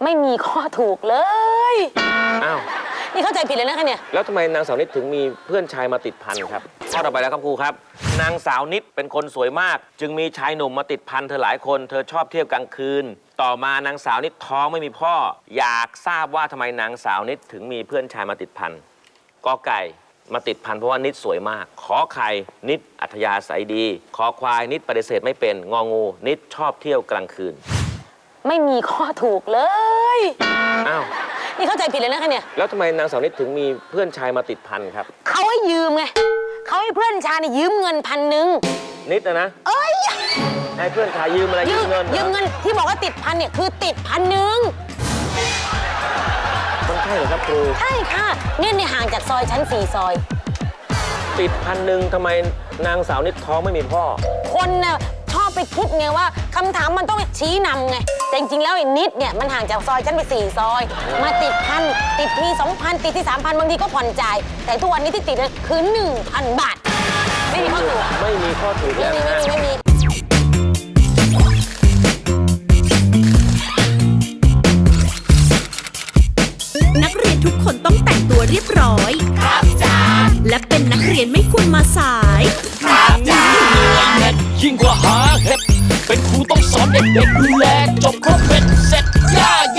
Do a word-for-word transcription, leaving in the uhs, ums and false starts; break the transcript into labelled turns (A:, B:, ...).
A: ไม่มีข้อถูกเลย
B: อ้าว
A: นี่เข้าใจผิดเลยนะคะเนี่ย
B: แล้วทำไมนางสาวนิดถึงมีเพื่อนชายมาติดพันครับข้อต่อไปแล้วครับครูครับนางสาวนิดเป็นคนสวยมากจึงมีชายหนุ่มมาติดพันเธอหลายคนเธอชอบเที่ยวกลางคืนต่อมานางสาวนิดท้องไม่มีพ่ออยากทราบว่าทำไมนางสาวนิดถึงมีเพื่อนชายมาติดพันกอไก่มาติดพันเพราะว่านิดสวยมากขอไข่นิดอัธยาศัยดีขอควายนิดปฏิเสธไม่เป็นงองูนิดชอบเที่ยวกลางคืน
A: ไม่มีข้อถูกเลย
B: อ้าว
A: นี่เข้าใจผิดเลยนะคะเนี่ย
B: แล้วทำไมนางสาวนิดถึงมีเพื่อนชายมาติดพันครับ
A: เขาให้ยืมไงเขาให้เพื่อนชายเนี่ยยืมเงินพันหนึ่ง
B: นิดนะนะ
A: เอ้ย
B: ให้เพื่อนชายยืมอะไรยืมเงิน
A: ยืมเงินที่บอกว่าติดพันเนี่ยคือติดพันหนึ่ง
B: มันใช่เหรอครับครู
A: ใช่ค่ะเนี่ยในห่างจากซอยชั้นสี่ซอย
B: ติดพันหนึ่งทำไมนางสาวนิดท้องไม่มีพ่อ
A: คนน่ะชอบไปคิดไงว่าคำถามมันต้องชี้นำไงแต่จริงๆแล้วไอ้นิดเนี่ยมันห่างจากซอยชั้นไปสี่ซอยมาติดพันติดทีสองพันติดที่สามพันบางทีก็ผ่อนจ่ายแต่ทุกวันนี้ที่ติดคือหนึ่งพันบาทไม่มีข้อถูก
B: ไม่มีข้อถูก
A: ไม่มีไม่มีไม่มี
C: นักเรียนทุกคนต้องแต่งตัวเรียบร้อยครับจ้าและเป็นนักเรียนไม่ควรมาสายครับจ้า
D: ยิ่งกว่าหาเห็ดเป็นครูต้องสอนเด็กๆดูแลจบครบเป็น